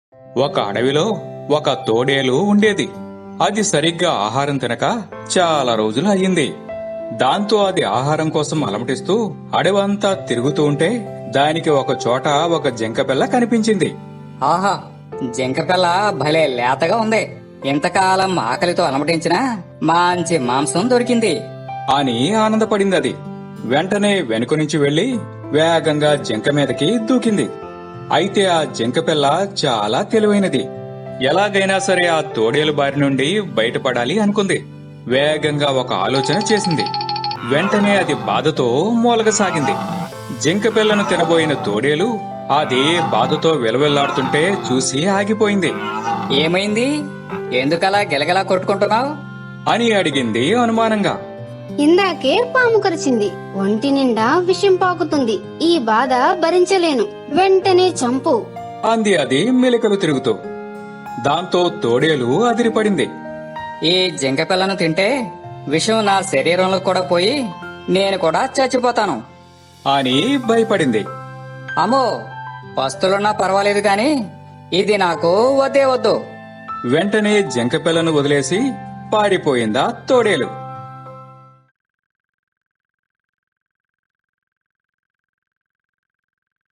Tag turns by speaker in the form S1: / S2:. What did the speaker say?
S1: ఒక అడవిలో ఒక తోడేలు ఉండేది. అది సరిగ్గా ఆహారం తినక చాలా రోజులు అయ్యింది. దాంతో అది ఆహారం కోసం అలమటిస్తూ అడవంతా తిరుగుతూ ఉంటే దానికి ఒక చోట ఒక జింకపిల్ల కనిపించింది.
S2: ఆహా, జింకపిల్ల భలే లేతగా ఉంది. ఇంతకాలం ఆకలితో అలమటించినా మంచి మాంసం దొరికింది
S1: అని ఆనందపడింది అది. వెంటనే వెనుక నుంచి వెళ్లి వేగంగా జింక మీదకి దూకింది. అయితే ఆ జింకపిల్ల చాలా తెలివైనది. ఎలాగైనా సరే ఆ తోడేలు బారి నుండి బయటపడాలి అనుకుంది. వేగంగా ఒక ఆలోచన చేసింది. వెంటనే అది బాధతో మూలగసాగింది. జింకపిల్లను తినబోయిన తోడేలు అది బాధతో విలవిల్లాడుతుంటే చూసి ఆగిపోయింది.
S2: ఏమైంది? ఎందుకలా గిలగిలా కొట్టుకుంటున్నావు
S1: అని అడిగింది అనుమానంగా.
S3: ఇందాకే పాము కరిచింది, ఒంటి నిండా విషం పాకుతుంది. ఈ బాధ భరించలేను, వెంటనే చంపు
S1: అంది అది మెలికలు తిరుగుతూ. దాంతో తోడేలు అదిరిపడింది.
S2: ఈ జింకపిల్లను తింటే విషం నా శరీరంలో కూడా పోయి నేను కూడా చచ్చిపోతాను
S1: అని భయపడింది.
S2: అమ్మో, పస్తులున్నా పర్వాలేదు గాని ఇది నాకు వద్దే వద్దు.
S1: వెంటనే జింకపిల్లను వదిలేసి పారిపోయిందా తోడేలు.